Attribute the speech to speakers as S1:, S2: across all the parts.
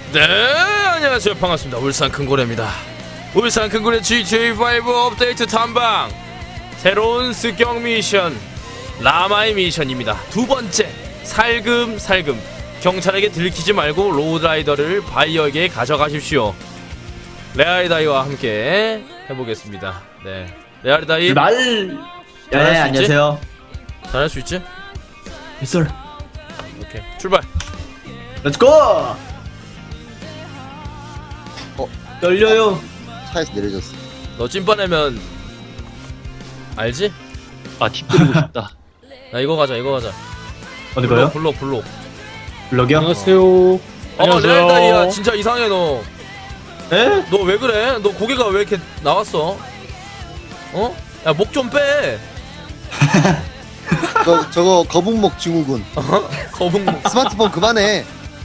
S1: 네, 안녕하세요. 반갑습니다. 울산 큰고래입니다. 울산 큰고래 GTA5 업데이트 탐방 새로운 습격 미션 라마의 미션입니다. 두 번째, 살금살금 경찰에게 들키지 말고 로드라이더를 바이어에게 가져가십시오. 레아리다이와 함께 해보겠습니다. 네, 레아리다이
S2: 네, 안녕하세요.
S1: 잘할 수 있지?
S2: 빗솔.
S1: 오케이, 출발.
S2: 렛츠고! 열려요.
S3: 차에서 내려졌어.
S1: 너 찐빠내면 알지?
S4: 아, 팁 드리고 싶다.
S1: 나 이거 가자.
S2: 어디 가요?
S1: 블록.
S2: 블럭이요?
S4: 안녕하세요.
S1: 레아리다이야, 진짜 이상해 너.
S2: 에?
S1: 너 왜 그래? 너 고개가 왜 이렇게 나왔어? 어? 야, 목 좀 빼.
S3: 저거 거북목 증후군.
S1: 거북목.
S3: 스마트폰 그만해.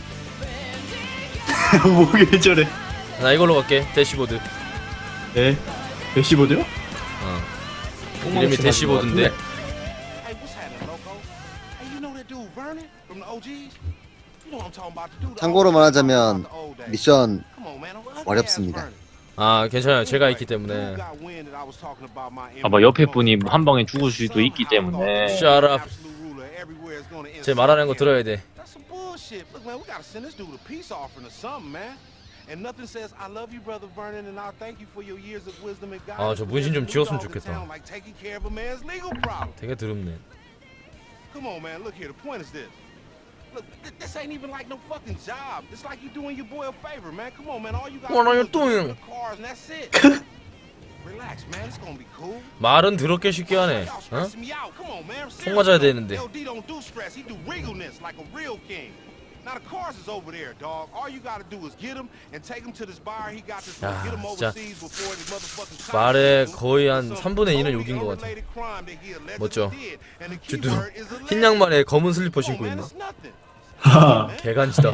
S2: 뭐게 저래?
S1: 나 이걸로 갈게. 대시보드.
S2: 네. 대시보드요?
S1: 이름이 대시보드인데.
S5: Hey, what's happening, Loco? Hey, you know that dude Vernon from the OGs? You know what I'm talking about? The dude.
S3: 참고로 말하자면
S5: the old days.
S3: 미션
S5: Come on, man. I'm ugly
S3: 어렵습니다.
S5: ass Vernon.
S1: 아, 괜찮아요. 제가 있기
S5: Dude
S1: 때문에.
S5: got wind that I was talking about my
S4: 아마 옆에 분이 한 방에 죽을 수도 있기 때문에.
S1: Shut up.
S5: absolute ruler everywhere is gonna end
S1: 제 말하는 거 들어야 돼.
S5: That's some bullshit. Look, man, we gotta send this dude a peace offering or something, man. And nothing says I love you, brother Vernon, and I thank you for your years of wisdom and guidance.
S1: 저 문신 좀 지웠으면 좋겠다.
S5: Like taking care of a man's legal problem.
S1: 되게 더럽네.
S5: Come on, man. Look here. The point is this. Look, this ain't even like no fucking job. It's like you doing your boy a favor, man. Come on, man. All you got
S1: What are you
S5: is deliver
S1: doing?
S5: the cars and that's it. Relax, man. It's gonna be cool.
S1: 말은 더럽게 쉽게 하네.
S5: Y'all
S1: 어?
S5: stressing me out. Come on, man.
S1: 속 맞아야 되는데.
S5: LD don't do stress. He do regalness like a real king. Now the cars is over there, dog. All you gotta do is get him and take him to this bar. He got this.
S1: 야,
S5: Get him
S1: 진짜
S5: overseas before the motherfucking cops
S1: 말의
S5: get him.
S1: 거의 한
S5: Some
S1: 3분의 1은
S5: totally
S1: 욕인 것 같아.
S5: unrelated crime that he allegedly
S1: 멋져.
S5: did. And the
S1: 저
S5: key word is
S1: 흰
S5: alleged.
S1: 양말에 검은 슬리퍼
S5: Come
S1: 신고
S5: on, man.
S1: 있나?
S5: It's nothing.
S2: 하하.
S1: 개간지다.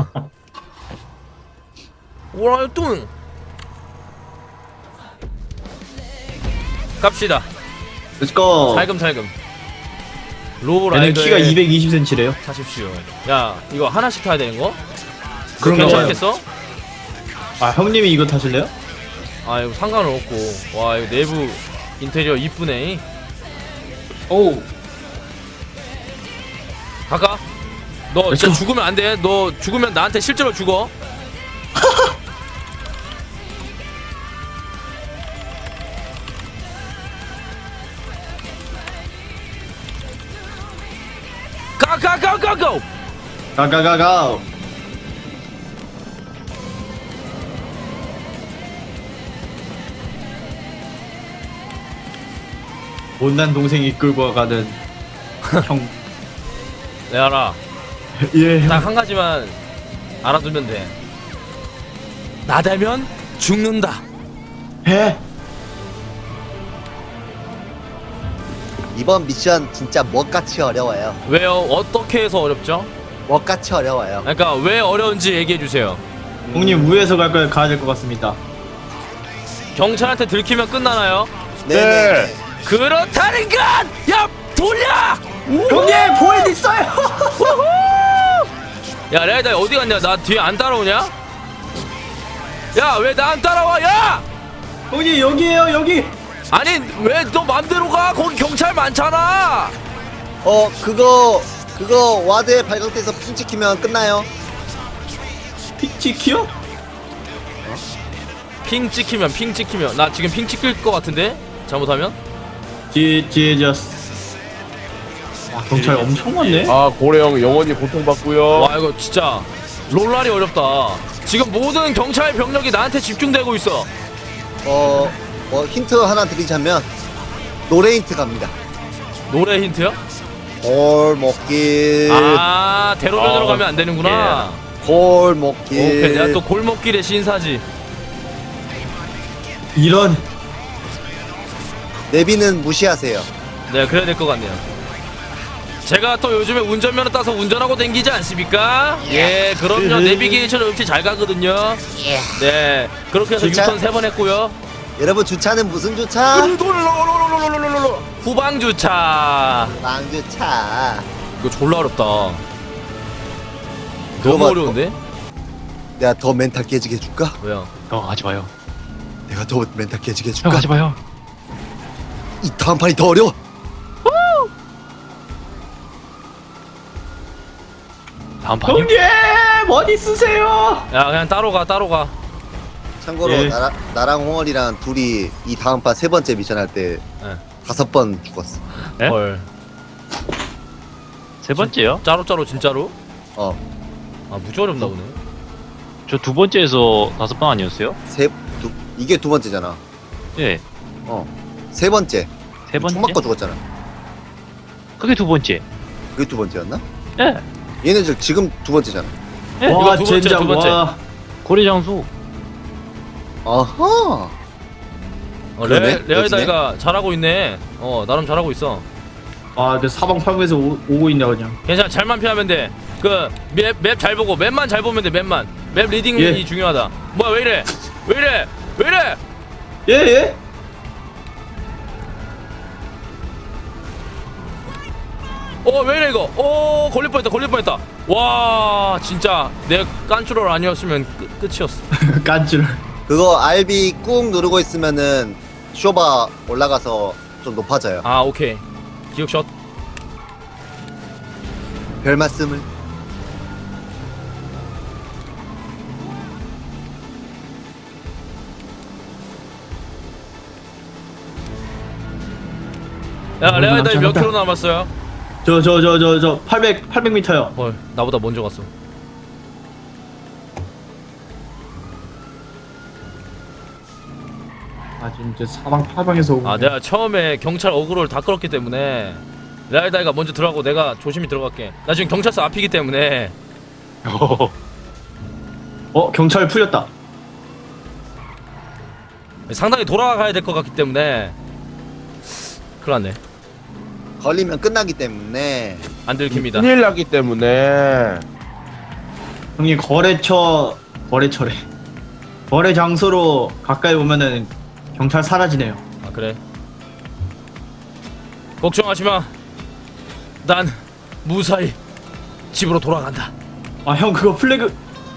S1: What are you doing? 갑시다.
S2: 렛츠고!
S1: 살금살금.
S2: 얘는
S1: 로라이더에
S2: 키가 220cm래요.
S1: 타십시오. 야, 이거 하나씩 타야 되는 거?
S2: 그런가 봐요.
S1: 괜찮겠어?
S2: 아, 형님이 이거 타실래요?
S1: 아, 이거 상관은 없고. 와, 이거 내부 인테리어 이쁘네.
S2: 오.
S1: 가까? 너 진짜 죽으면 안 돼. 너 죽으면 나한테 실제로 죽어. 가가가가고.
S2: 가가가가. 못난 동생이 끌고 가는 형.
S1: 네, 알아.
S2: 예.
S1: 딱 한 가지만 알아두면 돼. 나대면 죽는다.
S2: 해.
S3: 이번 미션 진짜 멋같이 어려워요.
S1: 왜요? 어떻게 해서 어렵죠?
S3: 멋같이 어려워요.
S1: 그러니까 왜 어려운지 얘기해 주세요.
S2: 형님 우에서 가야 될 것 같습니다.
S1: 경찰한테 들키면 끝나나요?
S3: 네네.
S1: 그렇다는 건! 야, 돌려!
S2: 형님 보이드 있어요.
S1: 야, 레이다 어디 갔냐? 나 뒤에 안 따라오냐? 야, 왜 나 안 따라와? 야!
S2: 형님 여기에요 여기.
S1: 아니, 왜 너 맘대로 가? 거기 경찰 많잖아.
S3: 그거 와드에 발각돼서 핑 찍히면 끝나요.
S2: 피치키요?
S1: 핑 찍히면 나 지금 핑 찍힐 것 같은데? 잘못하면?
S2: 뒤에 와 경찰 엄청 많네.
S6: 아 고래형 영원히 고통받고요.
S1: 와, 이거 진짜 롤랄이 어렵다. 지금 모든 경찰 병력이 나한테 집중되고 있어.
S3: 힌트 하나 드리자면 노래 힌트 갑니다.
S1: 노래 힌트요?
S3: 골목길.
S1: 대로변으로 가면 안 되는구나.
S3: 골목길.
S1: 오케이, 내가 또 골목길의 신사지.
S2: 이런.
S3: 내비는 무시하세요.
S1: 네, 그래야 될 것 같네요. 제가 또 요즘에 운전면허 따서 운전하고 댕기지 않습니까? 예, 그럼요. 내비게이션 역시 잘 가거든요. 네, 그렇게 해서
S3: 주차?
S1: 유턴 3번 했고요.
S3: 여러분 주차는 무슨 주차?
S1: 후방 주차.
S3: 망주차.
S1: 이거 졸라 어렵다.
S3: 그거
S1: 너무
S3: 봐,
S1: 어려운데?
S3: 내가 더 멘탈 깨지게 해줄까?
S1: 왜요?
S4: 형 하지 마요.
S3: 내가 더 멘탈 깨지게
S4: 형
S3: 해줄까?
S4: 하지 마요.
S3: 이 다음 판이 더 어려워.
S4: 다음 판이요?
S2: 형님 어디 있으세요?
S1: 야 그냥 따로 가.
S3: 참고로
S2: 예.
S3: 나랑 홍월이랑 둘이 이 다음 판 3번째 미션 할 때
S1: 예.
S3: 5번 죽었어.
S4: 네?
S1: 헐.
S4: 세 번째요?
S1: 짜로 진짜로?
S3: 어,
S1: 아 무지 어렵나 보네.
S4: 저 두 번째에서 5번 아니었어요?
S3: 이게 2번째잖아.
S4: 예.
S3: 세 번째.
S4: 세 번째?
S3: 총 맞고 죽었잖아.
S4: 그게 두 번째.
S3: 그게 2번째였나?
S4: 예.
S3: 얘네들 지금 2번째잖아.
S4: 예.
S2: 와
S1: 두 번째,
S2: 젠장
S1: 두 번째.
S2: 와.
S4: 고래 장수.
S3: 아하. 그러네?
S1: 레아이다이가 잘하고 있네. 나름 잘하고 있어.
S2: 아그 사방팔방에서 오고 있네 그냥.
S1: 괜찮아, 잘만 피하면 돼. 그 맵 잘 보고 맵만 잘 보면 돼. 맵 리딩이
S2: 예.
S1: 중요하다. 뭐야 왜 이래?
S2: 예 예.
S1: 왜 이래 이거? 걸릴 뻔했다. 와 진짜 내 깐추럴 아니었으면 끝이었어.
S2: 깐줄.
S3: 그거 RB 꾹 누르고 있으면은 쇼바 올라가서 좀 높아져요.
S1: 아 오케이. 기억샷.
S3: 별 말씀을.
S1: 야 레아이다이 몇
S2: 남자다.
S1: 킬로 남았어요?
S2: 저 800m요.
S1: 헐 나보다 먼저 갔어.
S2: 아 지금 이제 사방팔방에서 오고.
S1: 아
S2: 있네.
S1: 내가 처음에 경찰 어그로를 다 끌었기 때문에 레아이다이가 먼저 들어가고 내가 조심히 들어갈게. 나 지금 경찰서 앞이기 때문에
S2: 경찰 풀렸다.
S1: 상당히 돌아가야 될 것 같기 때문에 큰일 났네.
S3: 걸리면 끝나기 때문에
S1: 안 들킵니다.
S6: 큰일 나기 때문에
S2: 형님 거래처래. 거래 장소로 가까이 오면은 경찰 사라지네요.
S1: 아 그래? 걱정하지 마. 난 무사히 집으로 돌아간다.
S2: 아 형 그거 플래그.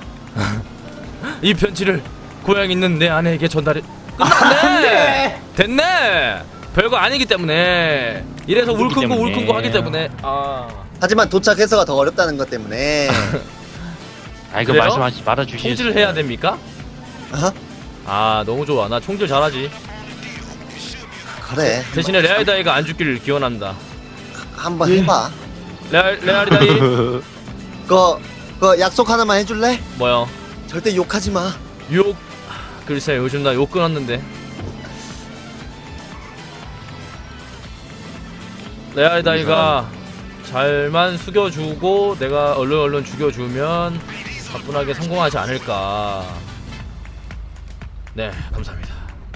S1: 이 편지를 고향 있는 내 아내에게 전달해. 끝났네. 됐네. 별거 아니기 때문에 이래서 울큰고
S4: 때문에.
S1: 울큰고 하기 때문에
S3: 하지만 도착해서가 더 어렵다는 것 때문에
S4: 아 이거
S1: 그래요?
S4: 말씀하지 말아주시죠.
S1: 총질을 해야 됩니까?
S3: 아하,
S1: 아 너무 좋아. 나 총질 잘하지.
S3: 그래
S1: 대신에 레아리다이가 안 죽기를 기원한다.
S3: 한번
S2: 예.
S3: 해봐.
S1: 레아리다이
S3: 그거 약속 하나만 해줄래?
S1: 뭐요?
S3: 절대 욕하지 마.
S1: 욕 글쎄 요즘 나 욕 끊었는데. 레아리다이가 잘만 숙여주고 내가 얼른 죽여주면 가뿐하게 성공하지 않을까. 네 감사합니다.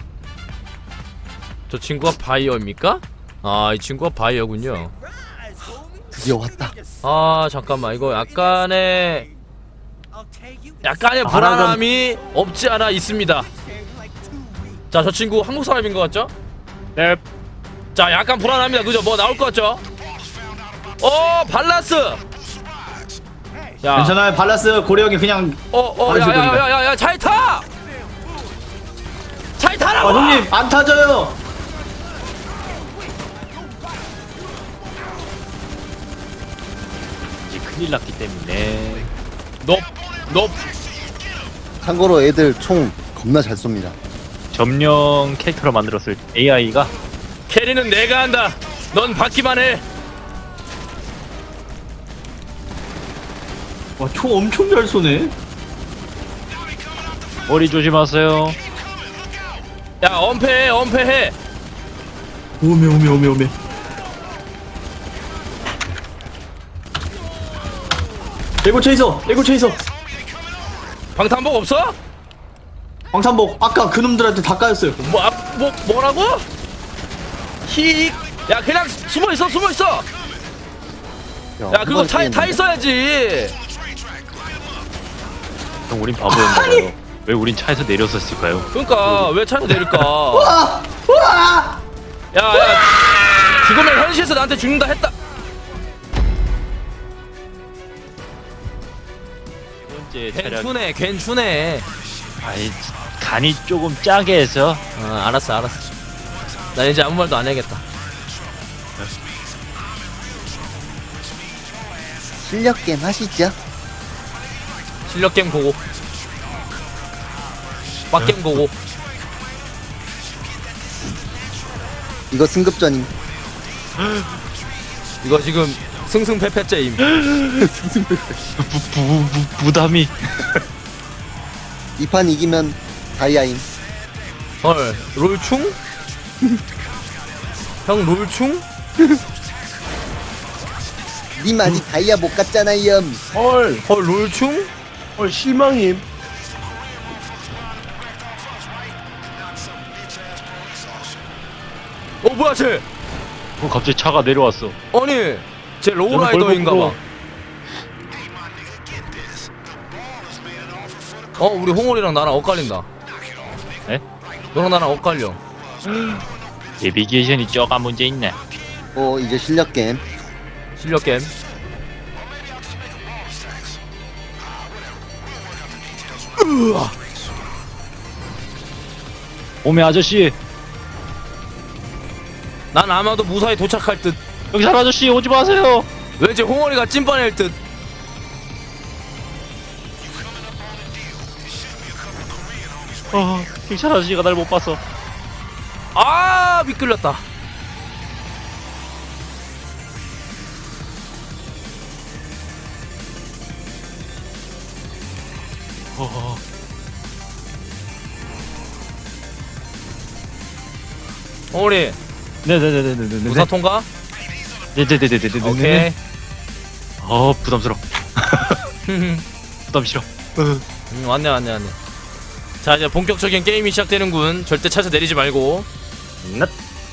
S1: 저 친구가 바이어입니까? 아 이 친구가 바이어군요.
S3: 드디어 왔다.
S1: 아 잠깐만 이거 약간의 불안함이 없지 않아 있습니다. 자 저 친구 한국 사람인 것 같죠?
S4: 네.
S1: 자 약간 불안합니다. 그죠? 뭐 나올 것 같죠? 발라스. 야,
S2: 괜찮아요. 발라스 고래 형이 그냥.
S1: 야야야야야 잘 타. 잘 타라고.
S2: 형님 안 타져요.
S4: 이제 큰일 났기 때문에.
S1: 넙.
S3: 참고로 애들 총 겁나 잘 쏩니다.
S4: 점령 캐릭터로 만들었을 AI가
S1: 캐리는 내가 한다. 넌 받기만 해.
S2: 와 총 엄청 잘 쏘네.
S4: 머리 조심하세요.
S1: 야 엄폐해.
S2: 오메. 레고 체이서.
S1: 방탄복 없어?
S2: 방탄복 아까 그놈들한테 다 까였어요.
S1: 뭐라고? 히. 야 그냥 숨어 있어. 야 그거 타 있어야지.
S4: 형 우린 바보였나봐요. 왜 우린 차에서 내렸었을까요?
S1: 그러니까 왜 차에서 내릴까?
S2: 와!
S1: 야 죽으면 현실에서 나한테 죽는다 했다.
S4: 번째 차량.
S1: 괜찮네 괜찮네.
S4: 아이 간이 조금 짜게 해서.
S1: 알았어 나 이제 아무 말도 안 해야겠다.
S3: 실력 게임 하시죠.
S1: 실력 게임 고고. 빡게임 고고.
S3: 이거 승급전임.
S1: 이거 지금 승승패패째임.
S4: 부담이.
S3: 이 판 이기면 다이아임.
S1: 헐 롤충? 형 롤충?
S3: 님 아직 다이아 못 갔잖아요.
S6: 헐,
S1: 헐 롤충?
S6: 헐 실망임.
S1: 뭐야 쟤?
S4: 갑자기 차가 내려왔어.
S1: 아니 쟤
S4: 저는
S1: 로우라이더인가봐. 우리 홍월이랑 나랑 엇갈린다.
S4: 에?
S1: 너랑 나랑 엇갈려.
S4: 내비게이션이 쪼가 문제 있네.
S3: 이제 실력 게임.
S1: 실력 게임.
S4: 오메 아저씨,
S1: 난 아마도 무사히 도착할 듯.
S4: 경찰 아저씨 오지 마세요.
S1: 왠지 홍월이가 찐빠낼 듯.
S4: 경찰 아저씨가 날 못 봤어.
S1: 미끌렸다. 홍월이
S4: 네네네네네네.
S1: 무사 통과?
S4: 네네네네네네.
S1: 오케이.
S4: 부담스러워. 부담 싫어.
S1: 왔네. 자 이제 본격적인 게임이 시작되는군. 절대 차에서 내리지 말고.
S4: 낫.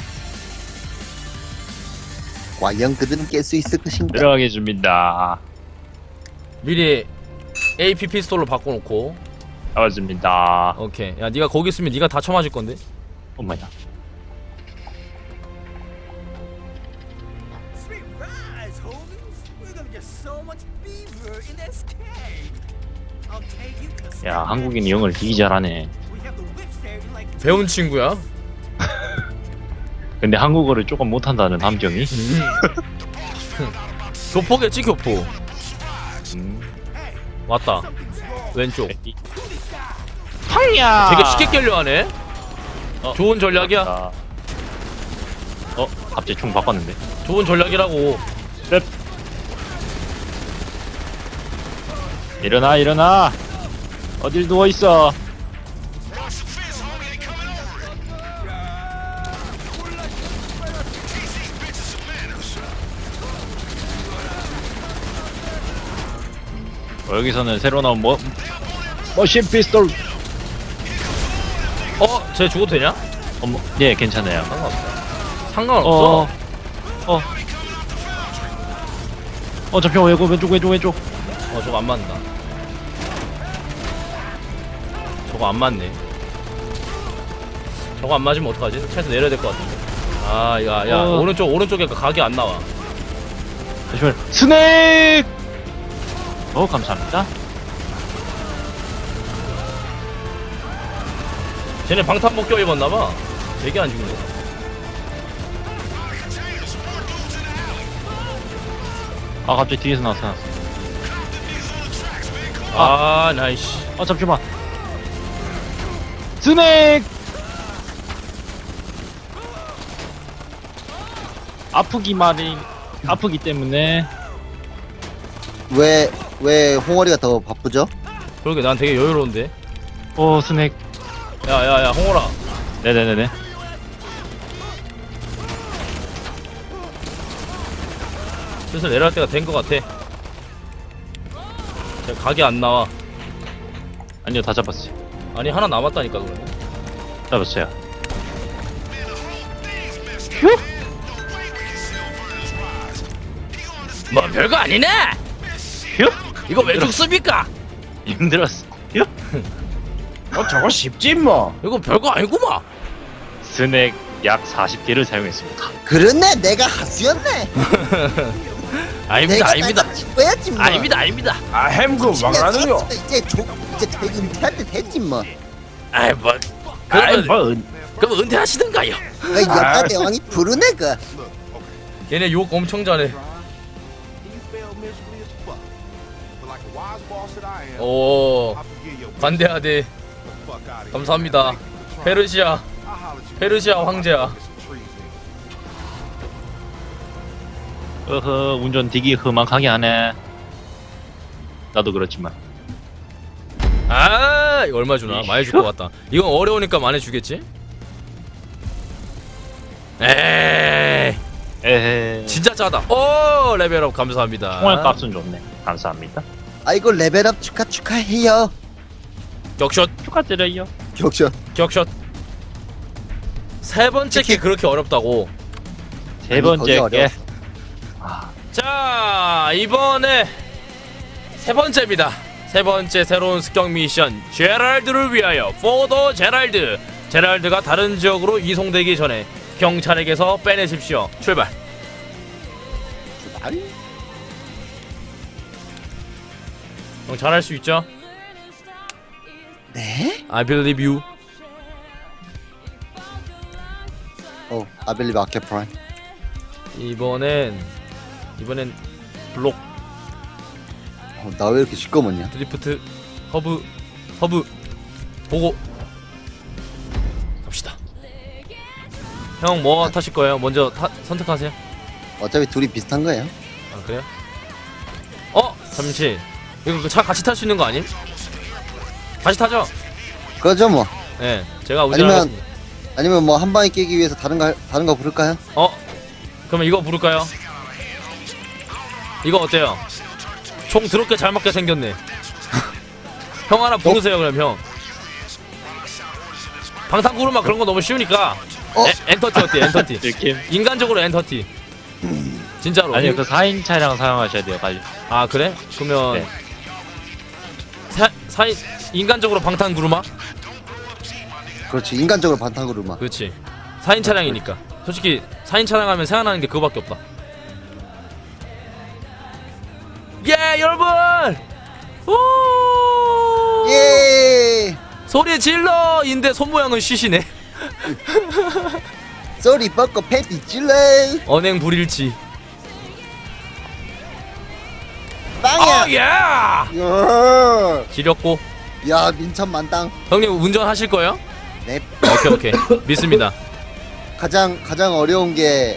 S3: 과연 그들은 깰 수 있을 것인가?
S4: 들어가게 해줍니다.
S1: 미리 AP 피스톨로 바꿔놓고.
S4: 나왔습니다.
S1: 오케이. 야 네가 거기 있으면 네가 다 쳐맞을 건데.
S4: 엄마야.
S7: Sweet rise, homies. We're gonna get so much beaver in this cave. I'll take you to the
S4: 야 한국인이 영어를 되게 잘하네.
S7: We have the whips there like
S1: 배운 친구야.
S4: 근데 한국어를 조금 못한다는 함정이.
S1: 교포겠지 교포. 왔다.
S7: something's wrong.
S1: 왼쪽.
S4: 황야.
S1: 되게 쉽게 깰려 하네. 좋은 전략이야.
S4: 갑자기 총 바꿨는데.
S1: 좋은 전략이라고.
S4: 일어나. 어딜 누워 있어. 여기서는 새로 나온 머신 피스톨.
S1: 쟤 죽어도 되냐?
S4: 네 괜찮아요.
S1: 상관없어.
S4: 잠시만 왼쪽.
S1: 저거 안 맞는다. 저거 안 맞네. 저거 안 맞으면 어떡하지? 차에서 내려야 될 것 같은데. 야 오른쪽에 각이 안 나와.
S4: 잠시만. 스낵. 감사합니다.
S1: 쟤네 방탄복 껴 입었나봐. 되게 안 죽네.
S4: 갑자기 뒤에서 나타났어.
S1: 나이씨.
S4: 잠시만. 스낵. 아프기 때문에.
S3: 왜 홍어리가 더 바쁘죠?
S1: 그러게 난 되게 여유로운데.
S4: 스낵.
S1: 야 홍호라.
S4: 네네네네.
S1: 슬슬 내려갈 때가 된 것 같아. 쟤 각이 안 나와.
S4: 아니요 다 잡았어요.
S1: 아니 하나 남았다니까 그러면.
S4: 잡았어요.
S1: 뭐 별거 아니네.
S4: 휴.
S1: 이거 왜 죽습니까?
S4: 힘들었어.
S6: 저거 쉽지 뭐.
S1: 이거 별거 아니구만.
S4: 스낵 약 40개를 사용했습니다.
S3: 그렇네, 내가 하수였네.
S1: 아닙니다, 아닙니다.
S3: 찍어야지 뭐.
S1: 아닙니다, 아닙니다.
S6: 아 햄그 막나는요.
S3: 이제 은퇴할 때 됐지 뭐.
S1: 아이 뭐
S6: 아이
S1: 그러면
S6: 뭐
S1: 그럼 은퇴하시든가요.
S3: 역사 대왕이 부르네 그.
S1: 얘네 욕 엄청 잘해.
S5: You failed miserably as fuck. But like a wise boss that I am,
S1: 오
S5: I forgive your
S1: 관대하대.
S5: the fuck out of here.
S1: 감사합니다.
S5: Thank you for trying.
S1: 페르시아
S5: I'll holler at you
S1: 페르시아
S5: later.
S1: 황제야.
S5: Get some trees in.
S4: 어허 운전 되게 험악하게 하네. 나도 그렇지만.
S1: 아 이거 얼마 주나? 많이 줄 것 같다. 이건 어려우니까 많이 주겠지? 에이
S4: 에헤.
S1: 진짜 짜다. 오 레벨업 감사합니다.
S4: 총알 값은 좋네. 감사합니다.
S3: 아이고 레벨업 축하해요.
S1: 격샷
S4: 축하드려요.
S3: 격샷.
S1: 격샷. 세 번째 게 그렇게 어렵다고.
S4: 세
S3: 아니,
S4: 번째
S3: 거기
S4: 게
S3: 어려웠어.
S1: 자 이번에 세 번째입니다. 세 번째 새로운 습격 미션 제랄드를 위하여 포더 제랄드. 제랄드가 다른 지역으로 이송되기 전에 경찰에게서 빼내십시오. 출발. 형 잘할 수 있죠?
S3: 네?
S1: I believe you.
S3: 아벨리 마켓 프라임.
S1: 이번엔 블록
S3: 나 왜 이렇게 시꺼먼냐?
S1: 드리프트 허브 보고 갑시다. 형 뭐 타실 거예요? 먼저 선택하세요.
S3: 어차피 둘이 비슷한 거예요.
S1: 아 그래요? 잠시 이거 그 차 같이 탈 수 있는 거 아님? 같이 타죠?
S3: 그러죠 뭐.
S1: 네 제가 운전하겠습니다.
S3: 아니면 뭐 한 방에 깨기 위해서 다른 거 부를까요?
S1: 그러면 이거 부를까요? 이거 어때요? 총 더럽게 잘 맞게 생겼네. 형 하나 부르세요 그럼 형. 방탄구르마 그런 거 너무 쉬우니까 엔터티 어때? 엔터티.
S4: 느낌.
S1: 인간적으로 엔터티. 진짜로.
S4: 아니요 그 4인 차량 사용하셔야 돼요 빨리.
S1: 아 그래? 그러면
S4: 네.
S1: 사인 인간적으로 방탄구르마?
S3: 그렇지. 인간적으로 반탕구르마.
S1: 그렇지. 4인 차량이니까. 솔직히 4인 차량 하면 생각나는 게 그거밖에 없다. 예 여러분! 오!
S3: 예.
S1: 소리 질러인데 손 모양은 쉬시네.
S3: 쏘리 뻗고 패티 찔러.
S1: 언행 불일치.
S3: 빵이야.
S1: 예!
S3: 야.
S1: 지렸고.
S3: 야 민천 만땅.
S1: 형님 운전하실 거예요?
S3: 네.
S1: 오케이 믿습니다.
S3: 가장 어려운 게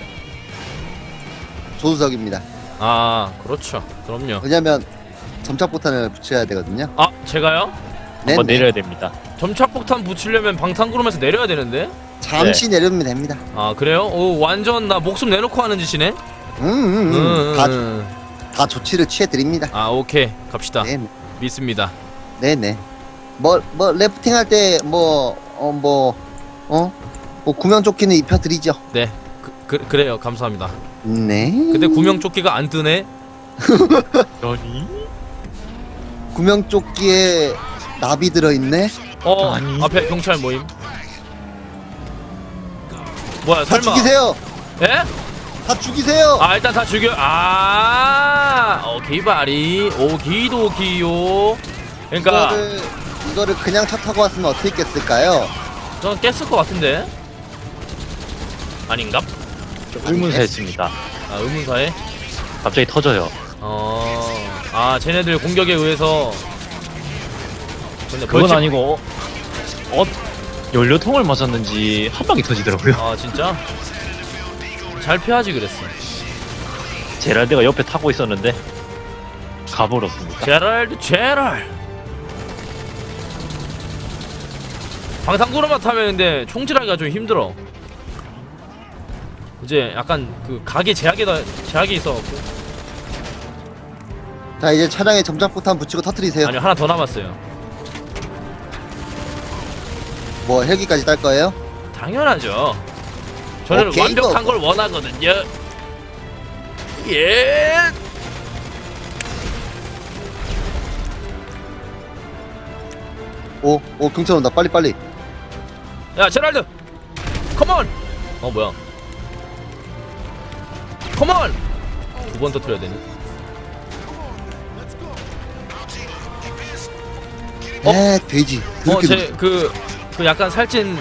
S3: 조수석입니다.
S1: 아 그렇죠. 그럼요.
S3: 왜냐면 점착폭탄을 붙여야 되거든요.
S1: 아 제가요?
S3: 네.
S4: 한번 내려야 됩니다.
S1: 점착폭탄 붙이려면 방탄구름에서 내려야 되는데?
S3: 잠시 내려면 됩니다.
S1: 아 그래요? 오 완전 나 목숨 내놓고 하는 짓이네?
S3: 다 조치를 취해 드립니다.
S1: 아 오케이 갑시다.
S3: 네.
S1: 믿습니다.
S3: 네네. 뭐 래프팅 할 때 뭐 구명조끼는 입혀드리죠.
S1: 네 그래요 감사합니다.
S3: 네.
S1: 근데 구명조끼가 안 뜨네?
S4: 아니?
S3: 구명조끼에 나비 들어있네.
S4: 아니.
S1: 앞에 경찰 모임. 뭐야
S3: 다
S1: 설마
S3: 죽이세요.
S1: 예?
S3: 다 죽이세요.
S1: 아 일단 다 죽여. 오케이 바리 오기도기요. 그러니까
S3: 이거를 그냥 차 타고 왔으면 어떻게 깼을까요?
S1: 저는 깼을 것 같은데 아닌가?
S4: 의문사했습니다.
S1: 아 의문사에?
S4: 갑자기 터져요.
S1: 쟤네들 공격에 의해서. 근데
S4: 그건
S1: 벌칙-
S4: 아니고 연료통을 맞았는지 한 방에 터지더라고요.
S1: 아 진짜? 잘 피하지 그랬어.
S4: 제랄드가 옆에 타고 있었는데 가버렸습니다.
S1: 제랄 방탄구르마 타면 근데 총질하기가 좀 힘들어. 이제 약간 그 각이 제약이 있어갖고.
S3: 자 이제 차량에 점착폭탄 붙이고 터트리세요.
S1: 아니요 하나 더 남았어요.
S3: 뭐 헬기까지 딸 거예요?
S1: 당연하죠. 저는
S3: 오케이,
S1: 완벽한
S3: 뭐.
S1: 걸 원하거든요. 예.
S3: 오 경찰 온다. 빨리.
S1: 야 제랄드 컴온. 뭐야 컴온. 두 번 터뜨려야 되니?
S3: 돼지. 더럽게
S1: 제 그 약간 살찐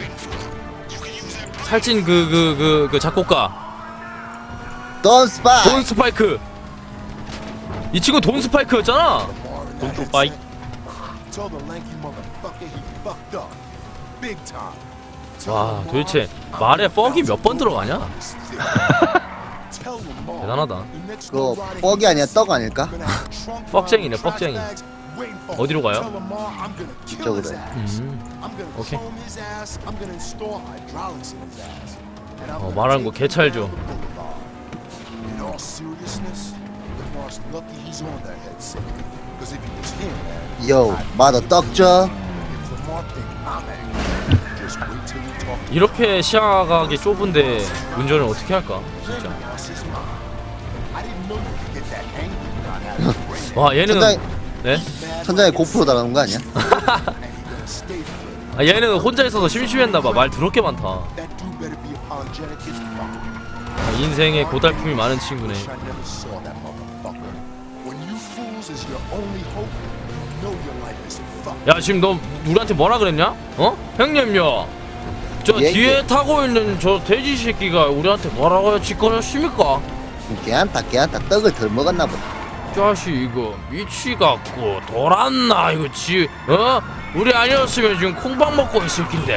S1: 그 작곡가
S3: 돈 스파.
S1: 돈 스파이크. 이 친구 돈 스파이크였잖아.
S4: 돈또 빠이.
S5: Tell the lanky motherfucker he fucked up. Big time.
S1: 와, 도대체 말에 퍽이 몇 번 들어가냐?
S5: Tell Lamar.
S1: 대단하다.
S5: the next
S3: 그거
S5: low rider
S3: 뻑이 아니야 떡 아닐까?
S5: gonna have a trunk
S1: 뻑쟁이네,
S5: full of
S1: 뻑쟁이.
S5: trash bags waiting for him.
S1: 어디로 가요?
S5: Tell Lamar I'm gonna kill
S3: 이쪽으로
S5: his
S3: 해.
S5: ass. I'm gonna
S1: 오케이.
S5: clone his ass. I'm gonna install hydraulics in his ass. And I'm gonna
S1: 말하는 거
S5: take
S1: 개찰
S5: him
S1: 줘.
S5: down the boulevard. In all seriousness, Lamar's lucky he's on that headset. Because if he was him, man,
S3: 요, 마더 떡 줘.
S5: if Lamar think I'm angry, just wait till we talk to
S1: 이렇게 시야각이 좁은데 운전을 어떻게 할까? 진짜.
S5: lost his mind. I didn't know you could get that angry without having a brain.
S1: 와, 얘는
S3: 천장에
S1: 네?
S3: 천장에 고프로 달아놓은 거 아니야?
S5: And he gonna stay for it.
S1: 아, 얘는 혼자 있어서 심심했나 봐. 말 더럽게 많다.
S5: That dude better be apologetic as fuck.
S1: 아, 인생에 고달픔이 많은 친구네.
S5: Wish I never saw that motherfucker. When you fools is your only hope, you know your life is fucked.
S1: 야, 지금 너 우리한테 뭐라 그랬냐? 어? 형님요. 저
S3: 예,
S1: 뒤에
S3: 예.
S1: 타고 있는 저 돼지 새끼가 우리한테 뭐라고 짓거렸습니까?
S3: 걔한테 떡을 덜 먹었나 보다.
S1: 자식 이거 미치갖고 돌았나 이거 우리 아니었으면 지금 콩밥 먹고 있을 낀데.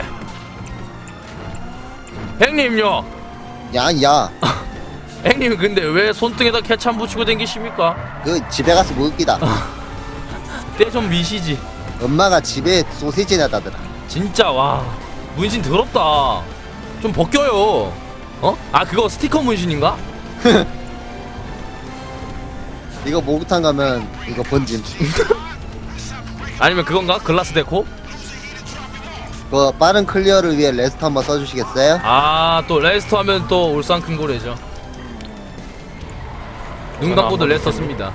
S1: 형님요.
S3: 야,
S1: 형님 근데 왜 손등에다 케찹 붙이고 댕기십니까?
S3: 그 집에 가서 먹기다.
S1: 때 좀 미시지.
S3: 엄마가 집에 소시지 놔다더라.
S1: 진짜 와 문신 더럽다. 좀 벗겨요. 어? 아 그거 스티커 문신인가?
S3: 이거 목욕탕 가면 이거 번짐.
S1: 아니면 그건가? 글라스 데코?
S3: 그 빠른 클리어를 위해 레스트 한번 써주시겠어요?
S1: 아 또 레스터 하면 또 울산 큰 고래죠. 눈 감고도 레스터 씁니다.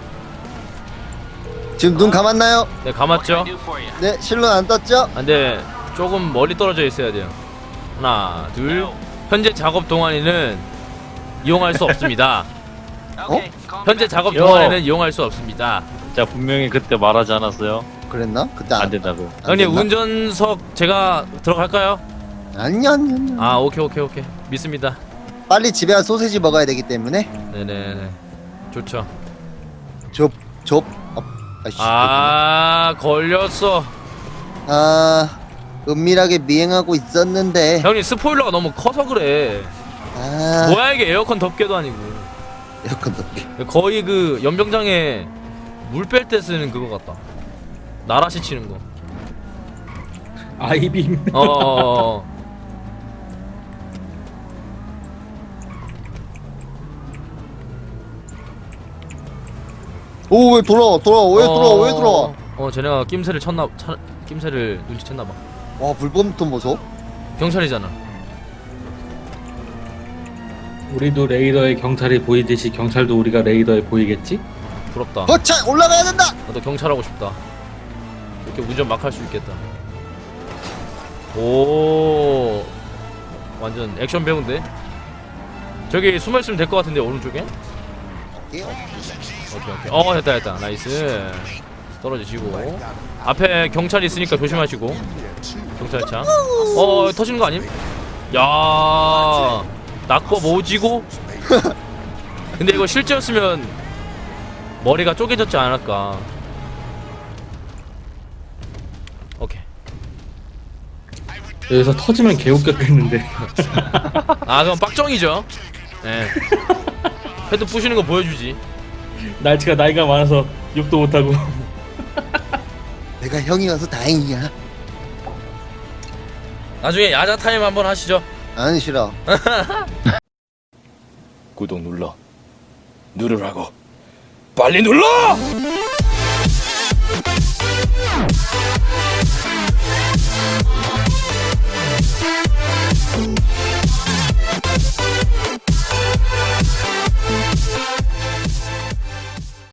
S3: 지금 눈 감았나요?
S1: 네 감았죠?
S3: 네, 실론 안 떴죠?
S1: 근데 조금 멀리 떨어져 있어야 돼요. 하나 둘. 현재 작업 동안에는 이용할 수 없습니다. 현재 작업
S4: 요.
S1: 동안에는 이용할 수 없습니다.
S4: 자 분명히 그때 말하지 않았어요?
S3: 그랬나? 그때
S4: 안 된다고.
S1: 형님
S3: 됐나?
S1: 운전석 제가 들어갈까요?
S3: 아니야.
S1: 아 오케이 믿습니다.
S3: 빨리 집에 가서 소시지 먹어야 되기 때문에
S1: 네네네 좋죠.
S3: 좁. 아이씨.
S1: 아 걸렸어.
S3: 은밀하게 미행하고 있었는데.
S1: 형님 스포일러가 너무 커서 그래. 뭐야 이게 에어컨 덮개도 아니고
S3: 에어컨 덮개.
S1: 거의 그 연병장에 물 뺄 때 쓰는 그거 같다. 나라시 치는 거.
S6: 아이빔.
S1: 어.
S3: 오, 왜 돌아와? 왜 돌아와?
S1: 쟤네가 낌새를 눈치챘나 봐.
S3: 와, 불법부터 보소.
S1: 경찰이잖아.
S6: 우리도 레이더에 경찰이 보이듯이 경찰도 우리가 레이더에 보이겠지?
S1: 부럽다.
S3: 허차 올라가야 된다.
S1: 나도 경찰하고 싶다. 이렇게 운전 막 할 수 있겠다. 오, 완전 액션 배우인데. 저기 숨어 있으면 될 것 같은데 오른쪽에. 오케이. 됐다. 나이스. 떨어지시고. 앞에 경찰이 있으니까 조심하시고. 경찰차. 터지는 거 아님? 야, 낙법 오지고. 근데 이거 실제였으면 머리가 쪼개졌지 않을까. 오케이.
S6: 여기서 터지면 개웃겼겠는데.
S1: 아 그럼 빡정이죠. 예. 헤드 부시는 거 보여주지.
S6: 날치가 나이가 많아서 욕도 못하고.
S3: 내가 형이어서 다행이야.
S1: 나중에 야자 타임 한번 하시죠.
S3: 안 싫어.
S1: 구독 눌러. 누르라고. 빨리 눌러!